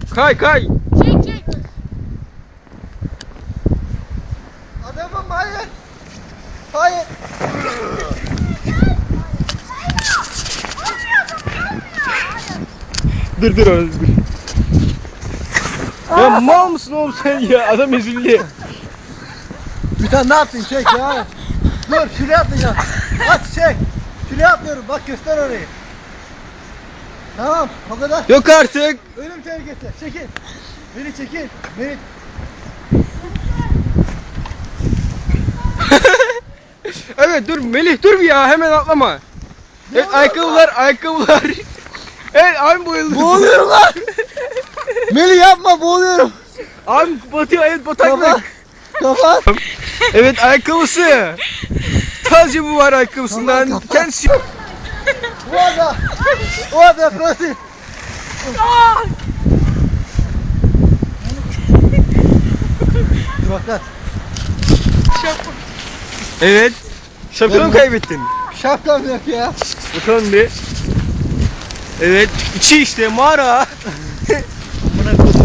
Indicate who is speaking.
Speaker 1: Kay kay.
Speaker 2: Çek.
Speaker 3: Adamım hayır. Hayır.
Speaker 1: Dur oğlum dur. Ya mal mısın oğlum sen ya? Adam ezildi.
Speaker 3: Bir tane ne yaptın çek ya. Dur şuraya atlayacağım. At çek. Şuraya atlıyorum bak göster orayı. Tamam o kadar.
Speaker 1: Yok artık.
Speaker 3: Ölüm tehlikesi. Çekil. Beni çekil. Beni.
Speaker 1: Evet dur Melih dur bir ya hemen atlama. Evet ayakkabılar. Evet abim bayıldı.
Speaker 3: Boğuluyorum lan. Melih yapma boğuluyorum.
Speaker 1: Abim batıyor evet bataklık.
Speaker 3: Kapat. Kapat.
Speaker 1: Evet ayakkabısı. Sadece bu var ayakkabısından.
Speaker 3: Kapat.
Speaker 1: Kendisi.
Speaker 3: Вода, проси. Bakat.
Speaker 1: Evet. Şapkanı kaybettin.
Speaker 3: Şapkam yok ya.
Speaker 1: Bakalım bir. Evet. İçi işte mağara.
Speaker 3: Buna koydum.